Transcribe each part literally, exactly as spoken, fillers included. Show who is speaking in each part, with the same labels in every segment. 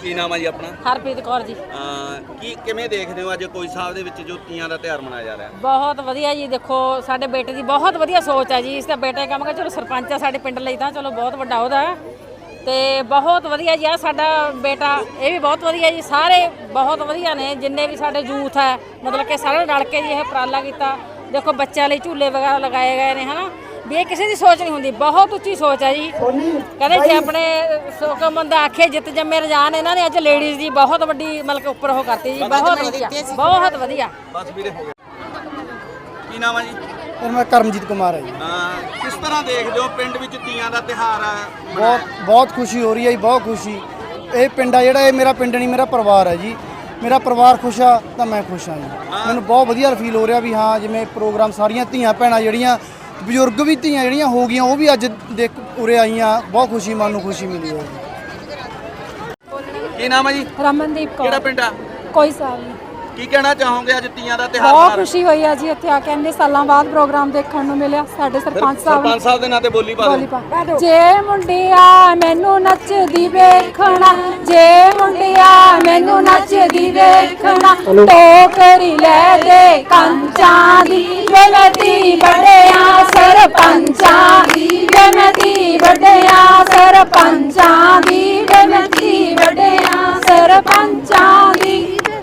Speaker 1: ਕੀ ਨਾਮ ਹੈ ਜੀ ਆਪਣਾ?
Speaker 2: ਹਰਪ੍ਰੀਤ ਕੌਰ ਜੀ।
Speaker 1: ਕੀ ਕਿਵੇਂ ਦੇਖਦੇ ਹੋ ਅੱਜ ਕੋਈ ਸਾਹਿਬ ਦੇ ਵਿੱਚ ਜੋ ਤੀਆਂ ਦਾ ਤਿਉਹਾਰ ਮਨਾਇਆ ਜਾ ਰਿਹਾ?
Speaker 2: ਬਹੁਤ ਵਧੀਆ ਜੀ। ਦੇਖੋ ਸਾਡੇ ਬੇਟੇ ਦੀ ਬਹੁਤ ਵਧੀਆ ਸੋਚ ਹੈ ਜੀ। ਇਸ ਦਾ ਬੇਟਾ ਕਹਾਂਗਾ ਚਲੋ ਸਰਪੰਚ ਆ ਸਾਡੇ ਪਿੰਡ ਲਈ ਤਾਂ ਚਲੋ ਬਹੁਤ ਵੱਡਾ ਉਹਦਾ ਤੇ ਬਹੁਤ ਵਧੀਆ ਜੀ। ਆ ਸਾਡਾ ਬੇਟਾ ਇਹ ਵੀ ਬਹੁਤ ਵਧੀਆ ਜੀ। ਸਾਰੇ ਬਹੁਤ ਵਧੀਆ ਨੇ ਜਿੰਨੇ ਵੀ ਸਾਡੇ ਯੂਥ ਹੈ, ਮਤਲਬ ਕਿ ਸਾਰੇ ਰਲ ਕੇ ਜੀ ਇਹ ਉਪਰਾਲਾ ਕੀਤਾ। ਦੇਖੋ ਬੱਚਿਆਂ ਲਈ ਝੂਲੇ ਵਗੈਰਾ ਲਗਾਏ ਗਏ ਨੇ ਹਨਾ ਵੀ ਇਹ ਕਿਸੇ ਦੀ ਸੋਚ ਨਹੀਂ ਹੁੰਦੀ, ਬਹੁਤ ਉੱਚੀ ਸੋਚ ਹੈ ਜੀ। ਕਹਿੰਦੇ ਜੇ ਆਪਣੇ ਸੋਕਮ ਬੰਦਾ ਆਖੇ ਜਿੱਤ ਜੰਮੇ ਰਜਾਨ, ਇਹਨਾਂ ਨੇ ਅੱਜ ਲੇਡੀਜ਼ ਦੀ ਬਹੁਤ ਵੱਡੀ ਮਤਲਬ ਉੱਪਰ ਉਹ ਕਰਤੀ ਜੀ। ਬਹੁਤ ਵਧੀਆ ਬਹੁਤ ਵਧੀਆ।
Speaker 1: ਬਸ ਵੀਰੇ ਹੋ ਗਿਆ। ਕੀ ਨਾਮ ਹੈ ਜੀ?
Speaker 3: ਮੈਂ ਕਰਮਜੀਤ ਕੁਮਾਰ ਹੈ ਜੀ।
Speaker 1: ਕਿਸ ਤਰ੍ਹਾਂ ਦੇਖਦੇ ਹੋ ਪਿੰਡ ਵਿੱਚ ਤੀਆਂ ਦਾ ਤਿਉਹਾਰ ਹੈ?
Speaker 3: ਬਹੁਤ ਬਹੁਤ ਖੁਸ਼ੀ ਹੋ ਰਹੀ ਹੈ ਜੀ, ਬਹੁਤ ਖੁਸ਼ੀ। ਇਹ ਪਿੰਡ ਆ ਜਿਹੜਾ ਇਹ ਮੇਰਾ ਪਿੰਡ ਨਹੀਂ ਮੇਰਾ ਪਰਿਵਾਰ ਹੈ ਜੀ। ਮੇਰਾ ਪਰਿਵਾਰ ਖੁਸ਼ ਆ ਤਾਂ ਮੈਂ ਖੁਸ਼ ਹਾਂ ਜੀ। ਮੈਨੂੰ ਬਹੁਤ ਵਧੀਆ ਫੀਲ ਹੋ ਰਿਹਾ ਵੀ ਹਾਂ ਜਿਵੇਂ ਪ੍ਰੋਗਰਾਮ ਸਾਰੀਆਂ ਧੀਆਂ ਭੈਣਾਂ ਜਿਹੜੀਆਂ ਬਜ਼ੁਰਗ ਵੀ ਧੀਆਂ ਜਿਹੜੀਆਂ ਹੋ ਗਈਆਂ ਉਹ ਵੀ ਅੱਜ ਦੇਖ ਉਰੇ ਆਈਆਂ। ਬਹੁਤ ਖੁਸ਼ੀ, ਮਨ ਨੂੰ ਖੁਸ਼ੀ ਮਿਲੀ ਹੈ ਜੀ।
Speaker 1: ਕੀ ਨਾਮ ਹੈ ਜੀ?
Speaker 4: ਰਮਨਦੀਪ ਕੌਰ।
Speaker 1: ਕਿਹੜਾ ਪਿੰਡ ਆ?
Speaker 4: ਕੋਈ ਸਾਲ ਨਹੀਂ।
Speaker 1: ਕੀ ਕਹਿਣਾ ਚਾਹੋਗੇ ਅੱਜ ਤੀਆਂ ਦਾ ਤਿਉਹਾਰ?
Speaker 4: ਬਹੁਤ ਖੁਸ਼ੀ ਹੋਈ ਹੈ ਜੀ ਇੱਥੇ ਆ ਕੇ ਇੰਨੇ ਸਾਲਾਂ ਬਾਅਦ ਪ੍ਰੋਗਰਾਮ ਦੇਖਣ ਨੂੰ ਮਿਲਿਆ। ਸਾਡੇ ਸਰਪੰਚ ਸਾਹਿਬ
Speaker 1: ਸਰਪੰਚ ਸਾਹਿਬ ਦੇ ਨਾਂ ਤੇ ਬੋਲੀ ਪਾ ਦਿਓ।
Speaker 4: ਜੇ ਮੁੰਡਿਆ ਮੈਨੂੰ ਨੱਚਦੀ ਵੇਖਣਾ, ਜੇ ਮੁੰਡਿਆ ਮੈਨੂੰ ਨੱਚਦੀ ਵੇਖਣਾ, ਟੋਕਰੀ ਲੈ ਦੇ ਕੰਚਾਂ ਦੀ, ਵੇਮਤੀ ਵੱਡਿਆਂ ਸਰਪੰਚਾਂ ਦੀ, ਵੇਮਤੀ ਵੱਡਿਆਂ ਸਰਪੰਚਾਂ ਦੀ, ਵੇਮਤੀ ਵੱਡਿਆਂ ਸਰਪੰਚਾਂ ਦੀ।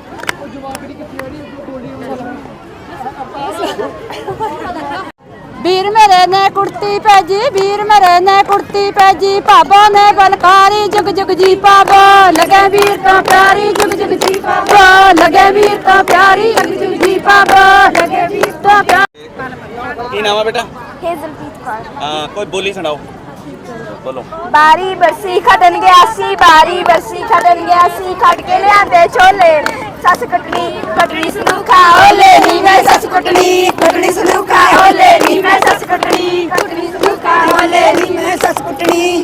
Speaker 4: ਵੀਰ ਮੇਰੇ ਨੇ ਕੁੜਤੀ ਭੇਜੀ, ਵੀਰ ਮੇਰੇ ਨੇ ਕੁੜਤੀ ਭੇਜੀ, ਭਾਬੋ ਨੇ ਬਲਕਾਰੀ ਜੁਗ ਜੁਗ ਜੀ ਪਾਵੋ, ਲਗੇ ਵੀਰ ਤਾਂ ਪਿਆਰੀ ਜੁਗ ਜੁਗ ਜੀ ਪਾਵੋ, ਲਗੇ ਵੀਰ ਤਾਂ ਪਿਆਰੀ ਜੁਗ ਜੁਗ ਜੀ ਪਾਵੋ, ਲਗੇ ਵੀਰ ਤਾਂ ਪਿਆਰੀ।
Speaker 1: ਕੀ ਨਾਮ ਹੈ ਬੇਟਾ?
Speaker 5: ਹੇਜ਼ਲਪ੍ਰੀਤ ਕੌਰ।
Speaker 1: ਹਾਂ ਕੋਈ ਬੋਲੀ ਸੁਣਾਓ। ਬੋਲੋ।
Speaker 5: ਬਾਰੀ ਬਰਸੀ ਖਟਣ ਗਿਆ ਸੀ, ਬਾਰੀ ਬਰਸੀ ਖਟਣ ਗਿਆ ਸੀ, ਖਟ ਕੇ ਲਿਆਂਦੇ ਛੋਲੇ, ਸੱਸ ਕਟਣੀ ਕਟਣੀ ਸਲੂਖਾ ਓਲੇ ਨੀ ਮੈਂ ਸੱਸ ਕਟਣੀ ਕਟਣੀ ਸਲੂਖਾ ਓਲੇ ਨੀ ਮੈਂ ਸੱਸ ਕਟਣੀ ਕਟਣੀ ਸਲੂਖਾ ਓਲੇ ਨੀ ਮੈਂ ਸੱਸ ਕਟਣੀ।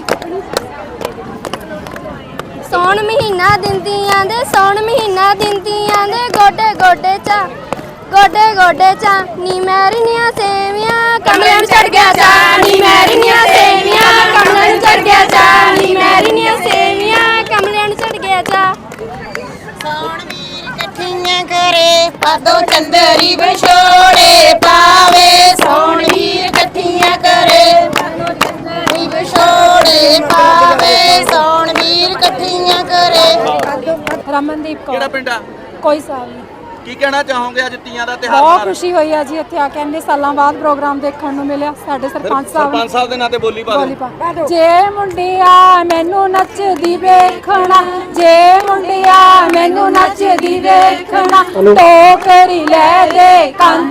Speaker 5: ਸੌਣ ਮਹੀਨਾ ਦਿੰਦੀਆਂ ਦੇ, ਸੌਣ ਮਹੀਨਾ ਦਿੰਦੀਆਂ ਦੇ, ਗੋਡੇ ਗੋਡੇ ਚਾ ਗੋਡੇ ਗੋਡੇ ਚਾ ਨੀ ਮੈਰੀਆਂ ਸੇਵੀਆਂ, ਕਮਲਿਆਂ ਨੂੰ ਚੜ ਗਿਆ ਚਾ ਨੀ ਮੈਰੀਆਂ ਸੇਵੀਆਂ, ਕਮਲਿਆਂ ਨੂੰ ਚੜ ਗਿਆ ਚਾ ਨੀ ਮੈਰੀਆਂ ਸੇਵੀਆਂ, ਕਮਲਿਆਂ ਨੂੰ ਚੜ ਗਿਆ ਚਾ। ਸੌਣ ਵੀਰ ਇਕੱਠੀਆਂ ਕਰੇ, ਪਾਦੋਂ ਚੰਦਰੀ ਵਿਛੋੜੇ ਪਾਵੇ, ਸੌਣ ਵੀਰ ਇਕੱਠੀਆਂ ਕਰੇ, ਪਾਦੋਂ ਚੰਦਰੀ ਵਿਛੋੜੇ ਪਾਵੇ, ਸੌਣ ਵੀਰ ਇਕੱਠੀਆਂ ਕਰੇ।
Speaker 4: ਰਮਨਦੀਪ ਕੌਰ।
Speaker 1: ਕਿਹੜਾ ਪਿੰਡ ਆ?
Speaker 4: ਕੋਈ ਸਾਲ ਨਹੀਂ।
Speaker 1: ਕੀ ਕਹਿਣਾ ਚਾਹੋਗੇ ਅੱਜ ਤੀਆਂ ਦਾ ਤਿਉਹਾਰ?
Speaker 4: ਬਹੁਤ ਖੁਸ਼ੀ ਹੋਈ ਹੈ ਜੀ ਇੱਥੇ ਆ ਕੇ ਇੰਨੇ ਸਾਲਾਂ ਬਾਅਦ ਪ੍ਰੋਗਰਾਮ ਦੇਖਣ ਨੂੰ ਮਿਲਿਆ। ਸਾਡੇ ਸਰਪੰਚ ਸਾਹਿਬ
Speaker 1: ਸਰਪੰਚ ਸਾਹਿਬ ਦੇ ਨਾਂ ਤੇ ਬੋਲੀ ਪਾ ਦਿਓ।
Speaker 4: ਜੇ ਮੁੰਡਿਆ ਮੈਨੂੰ ਨੱਚਦੀ ਵੇਖਣਾ, ਜੇ ਮੁੰਡਿਆ ਮੈਨੂੰ ਨੱਚਦੀ ਵੇਖਣਾ, ਟੋਕਰੀ ਲੈ ਦੇ ਕੰਨ